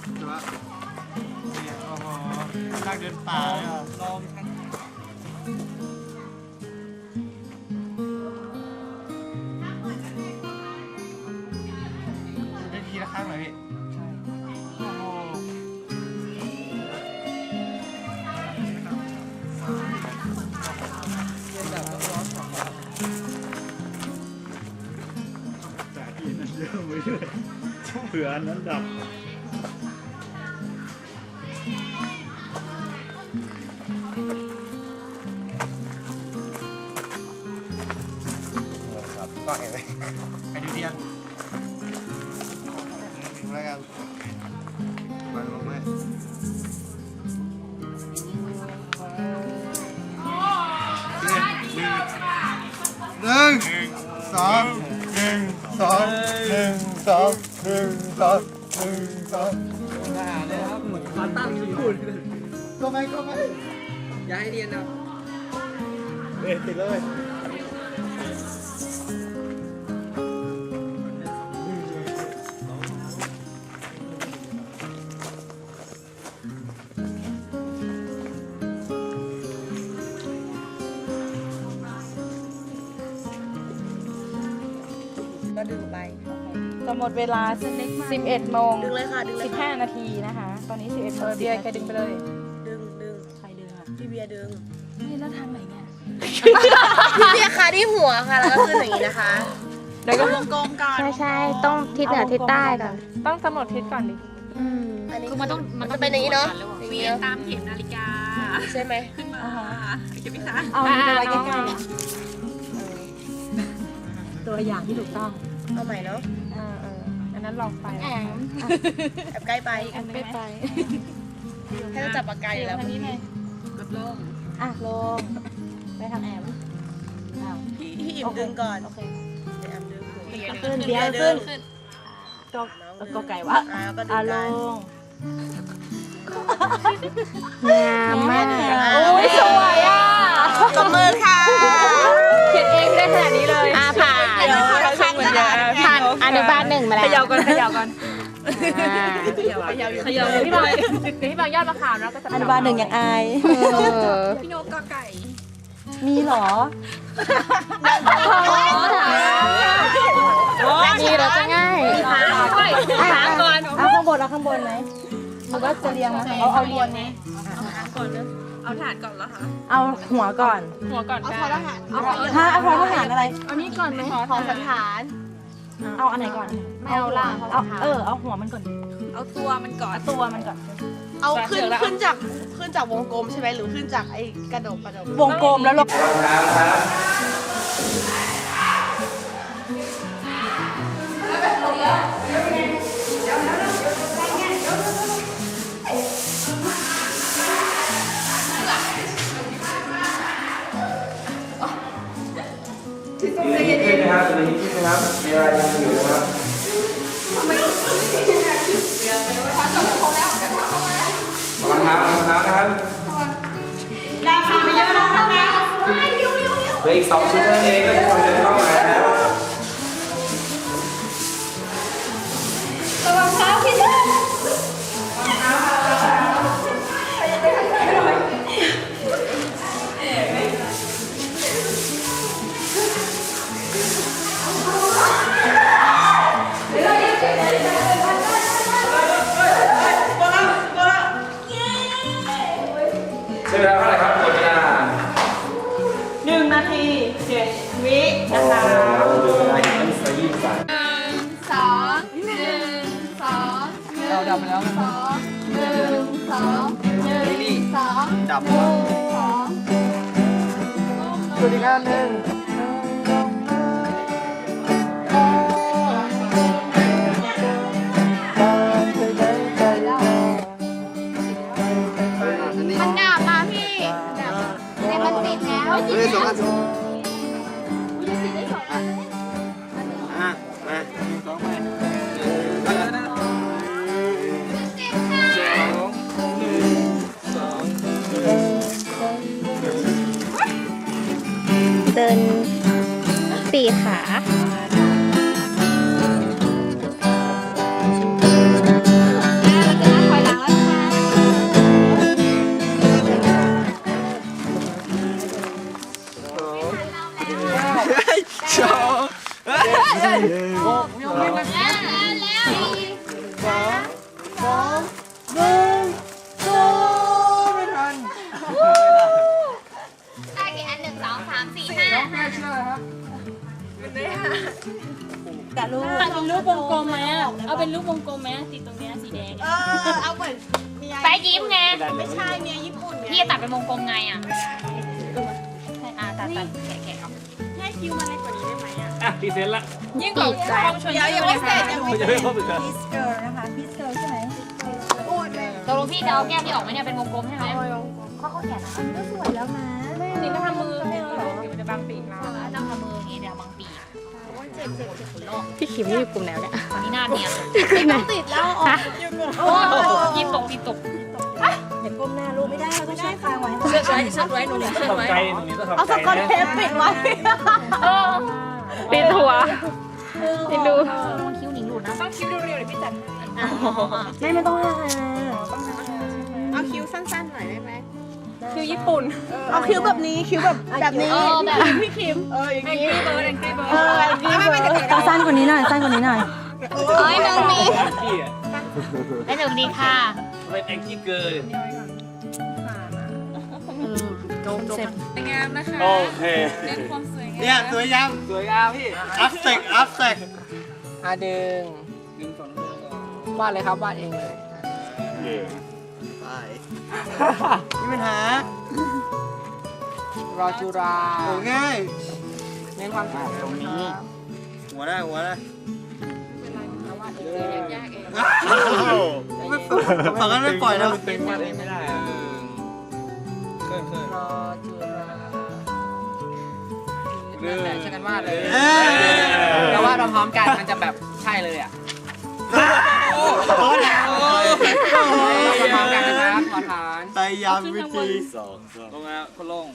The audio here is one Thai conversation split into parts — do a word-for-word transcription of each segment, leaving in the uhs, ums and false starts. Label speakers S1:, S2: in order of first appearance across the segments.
S1: ใช่ปะเนี่ยโอ้โหนั่งเดินป่าเลยอ่ะลองทั้งได้ทีละครั้งเหรอพี่ใช่โอ้โหแต่ที่นั่นเยอะไปเลยเผื่ออันนั้นดับก็เห็นไหมไปดูเทียนถึงแล้วกันมาลงไหมหนึ่งสองหนึ่งสองหนึ่งสองหนึ่งสองหนึ่งสองน่าเลยครับเหมือนมาตั้งอยู่พูดก็ไม่ก็ไม่อย่าให้เรียนนะเอ๊ะติดเลย
S2: ก็ดึงไป
S3: จะหมดเวลาสิบเอ็ดโมง
S2: ดึงเลยค่ะดึงเลย
S3: สิบห้านาทีนะคะ ตอนนี้สิบเอ็ดโมงเบียร์ใครดึงไปเลย
S2: ดึงดึง
S3: ใครดึงอ่ะ
S2: พี่เบียร์ดึง
S3: นี่แล้วทางไหนเนี่ย
S2: พี่เบียร์คะที่หัวค่ะแล้วก็ขึ้นอย่างนี้นะคะ
S3: เดี๋ยวก็
S2: วงกลมก่อน
S4: ใช่ใช่ต้องทิศเหนือทิศใต้ก่อน
S3: ต้องกำหนดทิศก่อนดิ
S4: อืม
S2: อันนี้
S5: คือมันต้อง
S2: มันจะเป็นอย่างนี้เนาะอย่าง
S5: เวี
S2: นี้
S5: ยน
S2: เนาะ
S5: ตามเข็มนาฬิกา
S2: ใช่ไหม
S5: ขึ้นมาเก็บไหมคะ
S3: เอาไปไว้ใกล้ๆอ่ะตัวอย่างที่ถูกต้อง
S2: เอาใหม่เนาะ
S3: เออเอออันนั้นลองไป
S4: แอม
S2: แอบใกล้ไป
S3: อันนึงไหม
S2: ให้เราจับปากกาอยู่แล้ว
S3: ทางนี้เลย
S5: กดลง
S3: อ่ะลงไปทางแอมอ้าว
S2: พี่พี่อิ่มดึงก่อน
S3: โอเค
S2: เดี๋ยวแอมดึงหัว
S3: ขึ้นเบียร์ขึ้นก็ก็ไก่วะ
S2: อ่าก็ดึ
S3: อ่ะ
S2: ง
S3: ล
S2: ได้
S3: ง
S4: งามมาก
S3: โอ้ยสวยอ่ะ
S2: ตบมือค่ะ
S3: เขียนเองได้ขนาดนี้เลย
S4: อ่าผ่าน
S3: เดี๋ยวเราทำเหมือนเดิม
S4: ผ่านอนุบาลหนึ่งมา
S3: เข
S4: แล้ว
S3: ย่าก่อนเขย่าก่อน
S4: อ่า
S3: เขย่าเขย่าเขย่าพี่บางพี่บางยอดมะขามแล้วก็จะอนุบาลหนึ่งยังอาย
S4: เออ
S5: พี่โนกอไก่
S3: มีเหรอ
S4: นี่เราจะง่าย
S5: ถามก่อน
S3: เอาข้างบนเอาข้างบนไหมหรือว่าจะเรียงไหมเอาเอาเรียงไหม
S5: เอาถาดก่อนแล้วค่ะ
S3: เอาหัวก่อน
S5: หัวก่อนได้
S3: ถ้าเอาพอทหารอะไร
S5: เอานี้ก่อนไหม
S2: ขอสันฐาน
S3: เอาอันไหนก่อน
S4: ไม่เอาล่าง
S3: เอาเออเอาหัวมันก่อน
S5: เอาตัวมันก่อน
S3: ตัวมันก่อน
S2: เอาขึ้นขึ้นจากขึ้นจากวงกลมใช่ไหมหรือขึ้นจากไอ้กระดกกระดก
S3: วงกลมแล้วลง
S6: ยืนขึ้นนะครับยืนขึ้นนะครับเวลายังอยู่นะครับรองเท้ารองเท้านะครับเหลืออีกสองชุดนั่นเองก็ทุกคนเดินเข้ามาแล้วใช้เวลาเท่าไหร่ครับหมดเวลา
S3: หนึ่งนาทีเจ็ดวินะคะ
S6: โอ้โหเหลือเวลาอีกตั้งสี่สิบสาม
S5: สองหนึ่งสอง
S1: เราดับไปแล้วนะ
S5: สองหนึ่งสองหนึ่งสอง
S1: ดับ
S5: สอง
S1: สวัสดีครับหนึ่ง
S4: มันดับมาพี่แต่มันติดแล้ว
S1: เฮ้ยสองอันสอง
S4: ติดได้สองอัน
S1: อ่ะมาสองไปไปแล้วนะสองหนึ่งสอง
S4: เดิน
S2: อกได้
S3: เอา
S2: ปะ
S3: เป็นรูปวงกลมไหมติดตรงเนี้ยสีแดง
S2: เออเอาเหมือนเมีย
S3: แปะยิ้มไง
S2: ไม่ใช่เมียญี่ปุ่น
S3: พี่
S2: เนี่ย
S3: จะตัดเป็นวงกลมไงอ่ะให้อ่าตัดตัดแกะแกะเอา
S2: ให้คิวมาเล็กกว่านี้ได้ไหมอ่ะ
S7: อ่ะพรีเซนต์ละ
S3: ยิ่งกว่าความชวน
S2: เดี๋ยวยังไม่เสร็จยังไม่
S7: จะ
S2: เสร็
S7: ไม่
S2: จ
S7: ครบอีกเหรอ
S5: พีสเกิร์ลนะคะพีสเกิร์ลใช่ไหม
S2: โอ้ยแม่
S3: ตกลงพี่จะเอาแก้มที่ออกไหมเนี่ยเป็นวงกลมใช่ไหมข้อข้อแขนนะ
S5: ก็สวยแล้วนะ
S3: นี่ก็ทำมือเดี๋ยวมันจะบางปีกเราต้องทำมืออย่างงี้เดี๋ยวบางปีกเจ็บเจ็บเจ็บโลก
S4: พี่ขิมนี่อยู่กลุ่มแล้วเนี่ย
S3: นี่หน้าเนียน
S2: ต้องติดแล้วออก
S3: โอ้ยีตกยีตก
S5: เห็นก้มหน้าลูกไม่ได้เราต้องใช้คางไว้
S3: เชือกไว้เชือกไว้หนูเชือก
S7: ทำ
S3: ไว้
S7: ใจตรงนี้ต้อง
S2: เอา
S7: ทำ
S2: ส
S7: ใจ
S2: กอต
S7: นะ
S2: เทปปิดไว้
S3: เออ
S4: ปิดหัวปิดดู
S3: ต้องคิ้วหนิงหลุดนะต้องคิ้วเรียวๆเดี๋ยวพี่จัด
S5: ไม่ไม่ต้องหา
S2: เอาคิ้วสั้นๆหน่อยได้ไหม
S3: คิ้วญี่ปุ่น
S2: เอาคิ้วแบบนี้คิ้วแบบแบบนี้
S3: เออแบบ
S2: พี่คิมเอออย่าง
S3: แอง
S2: นี้
S3: กี้เบิร์ดแองกี้เบิร์ด
S2: เอออย่างนี้ไม่ไม่ไม่
S5: ต้องสั้นกว่านี้หน่อยสั้นกว่านี้หน่อย
S2: เอ้ยน้องมี
S7: พี่อ่ะ
S3: ได้หนึ่งดีค่ะ
S7: เป็นแองกี้เกิร์ล
S3: งามนะคะ
S7: โอเค
S3: เป็นความสวยงาม
S1: เนี่ยสวยยัง
S7: สวยงามพี่
S1: อัพเซกอัพเซก
S8: อ่ะดึง
S7: ดึงสองมือก่อน
S8: วาดเลยครับวาดเองเลย
S1: ไปมีปัญหาร
S8: อจุรา
S1: โอ้ง่าย
S8: เน้นความสวยตรงนี้
S1: หัวได้หัวได้
S3: ยากเอง
S1: ไม่ฝั่งนั้นไม่ปล่อยนะ
S7: ตึงวาดเองไม่ได้อะเคยเคย
S8: รอจุรานั่นแหละช่วยกันวาดเลย
S1: เอ้ย
S8: แต่ว่าเราพร้อมกันมันจะแบบใช่เลยอ่ะ
S1: โอ้โห
S8: เราพร้อมกันนะครับขอฐาน
S1: พยายามวิธี
S7: ลงแล้วคนลง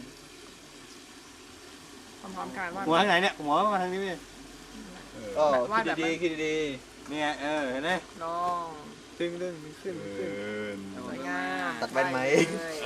S8: พร้อมกันวาด
S1: หัวทางไหนเนี่ยหัวมาทางนี้พี่โอ้
S8: วาดแบบ
S1: คิดดีๆคิดดีๆเนี่ยเออเห็นไหม
S8: ลง
S1: ดึงดึงขึ้นขึ้น
S8: สวยงาม
S1: ตัดแว่นไหม
S8: เอ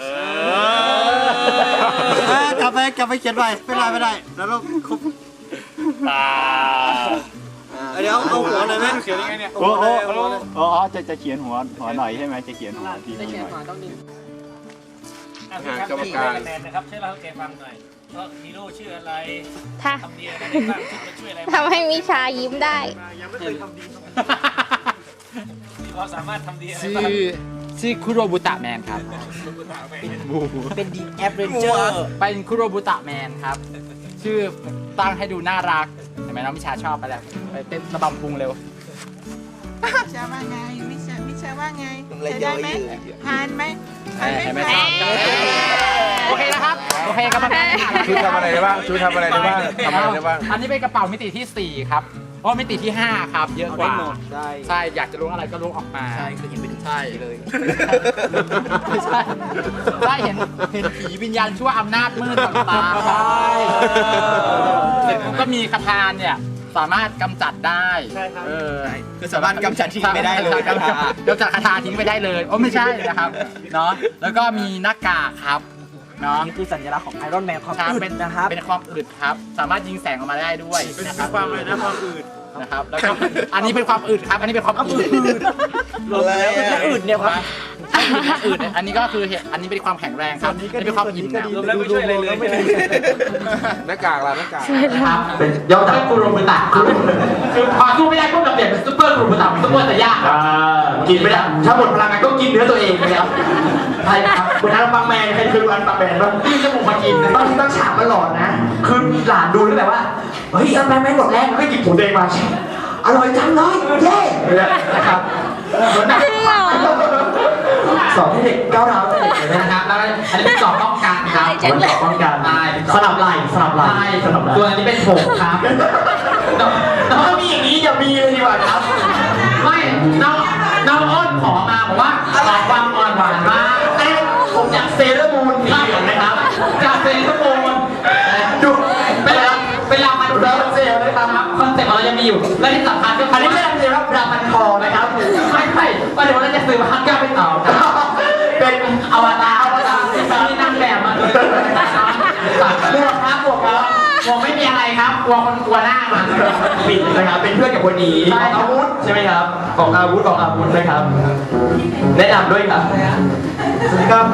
S1: เออกลับไปกลับไปเขียนไปไม่ได้ไม่ได้แล้วเราครบ
S7: ตา
S1: เดี๋ยวเอาหัวเลยไหม
S7: เขียนยังไงเนี่ย
S1: โอ้โห
S9: อ๋ออ๋อจะจะเขียนหัวหัวหน่อยใช่ไหมจะเขียนหัวที
S8: ได้
S9: นี้
S8: เขีย
S9: ห
S8: น
S9: น่อย
S8: ก่อนต้องดึง
S7: อ่ะพี่ครับพี่ให้คะแนนนะครับช่วยเล่าให้แกฟังหน่อยว่าฮีโร่ชื่ออะไร
S4: ถ้า
S7: ทำดีอะไรได้บ้างชื่อมันช่วยอะไรบ้าง
S4: ทำให้มิชายิ้มได้
S1: ยังไม่เคยทำดี
S7: มีความสามารถทำดีอะไร
S8: ชื่
S7: บ้าง
S8: อชื่อคุโรบุตะแมนครับ เป็นดีแอปเรนเจอร์เป็นคุโรบุตะแมนครับ ชื่อตั้งให้ดูน่ารักเห็นไหมน้องมิชาชอบไปแล้วไปเต้นระบำพุงเร็ว
S2: มิชาว่าไงมิชามิชาว่าไงใช้ได้ไหมผ่านไหมผ่าน
S8: เห็นไหม
S2: ไม่
S8: ช
S2: ผ่า
S8: อน บโอเคนะครับ โอเคกรรมการ
S9: ชุดทำอะไรได้บ้างชุดทำอะไรได้บ้างทำอะไรได้บ้าง
S8: อันนี้เป็นกระเป๋ามิติที่สี่ครับเพราะมิติที่ห้าครับ เยอะกว่า
S1: ได้
S8: ใช่ อยากจะรู้อะไรก็รู้ออกมา
S1: ใช่คือเห็นเป็น
S8: ใช่เลยไม่ใช่ได้เห็นเห็นผีวิญญาณชั่วอำนาจมืดต่างๆใช่เสร็จปุ๊บก็มีคาถาเนี่ยสามารถกำจัดได้
S1: ใช่ครับ
S8: เออ
S1: คือสามารถกำจัดทิ้งไปได้เลย
S8: กำจัดกำจัดคาถาทิ้งไปได้เลยโอ้ไม่ใช่นะครับเนาะแล้วก็มีหน้ากากครับเนาะ
S10: นี่คือสัญลักษณ์ของไอรอนแมนความ
S8: ครับ
S10: อึด
S8: เป็น
S10: นะครับ
S8: เป็นความอึดครับ สามารถยิงแสงออกมาได้ด้วย
S1: เป็น
S8: นะครับ
S1: ความอะไรนะความอื่น
S8: นะครับแล้วก็อันนี้เป็นความอึดครับ อันนี้เป็นความอึด
S1: อะไร
S10: และอื่นเนี่ยครับ
S8: อึดอันนี้ก็คือเหตุอันนี้เป็นความแข็งแรงครับอันนี้เป็นความอิ่มนะ
S7: รวมแล้วไม่ช่วยอะไรเลย
S9: หน้ากากล่ะหน้ากาก
S8: ครับเป็นยอดจากกุโรบุตะคือคือพอสู้ไม่ได้ก็จะเปลี่ยนเป็นซุปเปอร์กุโรบุตะเป็นซุปเปอร์แต่ยากครับกินไม่ได้ถ้าหมดพลังงานก็กินเนื้อตัวเองไปแล้วใช่ครับคุณอันปังแมนใครคืออันปังแมนบ้างที่จะบุกมากินตอนที่ต้องฉากมันหลอนนะคือหลานดูแล้วแบบว่าเฮ้ยอันปังแมนหมดแรงแล้วก็หยิบถุงแดงมาอร่อยจังเลยเย้นะครับเหมือนแบบสอนให้เด็กก้าวร้าวเด็กเลยนะครับแล้วอันนี้เป็นสอบป้องกันครับสอบป้องกันสลับไหล่สลับไหล่สลับไหล่ตัวอันนี้เป็นผมครับแล้วถ้ามีอย่างนี้อย่ามีเลยดีกว่าครับไม่น้องน้องอ้นขอมาบอกว่าขอความอ่อนหวานมากเอ้ผมอยากเซเลอร์มูนสีเหลืองนะครับจากเซเลอร์มูนดูเวลาเวลามันเริ่มเซลล์นะครับคอนเซ็ปต์ของเรายังมีอยู่และที่สำคัญก็คืออันนี้ไม่ได้เซลล์ครับรามันคอนะครับไม่ใช่ว่าเดี๋ยวเราจะซื้อมาฮักก้าไปต่อครับเป็นอวตารอวตารที่นั่งแบบมาเลยบวกครับบวกครับบวกไม่มีอะไรครับกลัวคนกลัวหน้ามันปิดนะครับเป็นเพื่อนกับคนนี้ของอาวุธใช่ไหมครับของอาวุธของอาวุธนะครับแนะนำด้วยครับสวัสดีครับ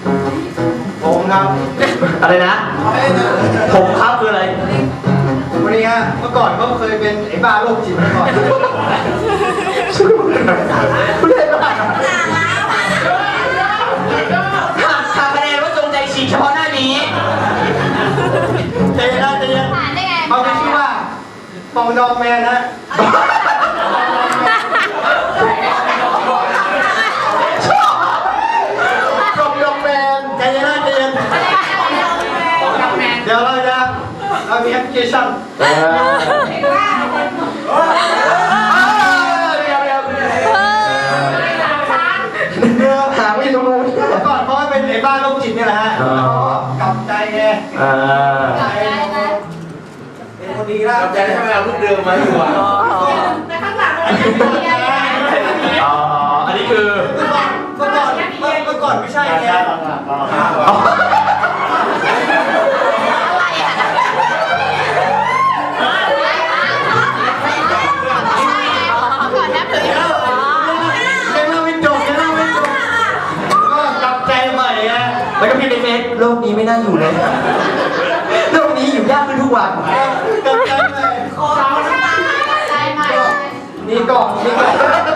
S8: ผมครับอะไรนะผมครับคืออะไรวันนี้
S1: นี้ฮะเมื่อก่อนก็เคยเป็นไอ้บ้าโรคจิตมาก่อน
S8: คุณเล่นบ้าทำคะแนนว่าจงใจฉีกเฉพาะหน้านี้ใจเย็นนะใจเย็น
S4: ผ่านได้ไง
S1: เขามีชื่อว่าปองดองแมนนะปองดองแมนใจเย็นนะใจเย็นเดี๋ยวเราจะเรามีแอปพลิเคชัน
S8: เดี๋ยวเดี๋ยวเดี๋ยวหาไม่รู้
S1: เมื่อก่อนเพราะว่าเป็นไอ้บ้าโรคจิตนี่แหละฮะกลับใจไง
S8: อ่า
S1: เป็นคนดีแล้ว
S6: ใจทำไมเอารูปเดิมมาอยู่อ่ะ
S4: แต่ข้างหลังมันจะมีอะไร
S8: อ๋ออันนี้คือ
S1: เมื่อก่อนเมื่อก่อนเมื่อก่อนไม่ใช่ไง
S4: ก่อนนะเผื่อ
S1: ยังเล่าไม่จบยังเล่าไม่จบก็กลับใจใหม่ไง
S8: แล้วก็พิมพ์ในเฟซโลกนี้ไม่น่าอยู่เลยโลกนี้อยู่ยากขึ้นทุกวัน
S1: กลับใจใหม่
S4: ใจใหม่
S1: นี่ก่อนนี่ก่อน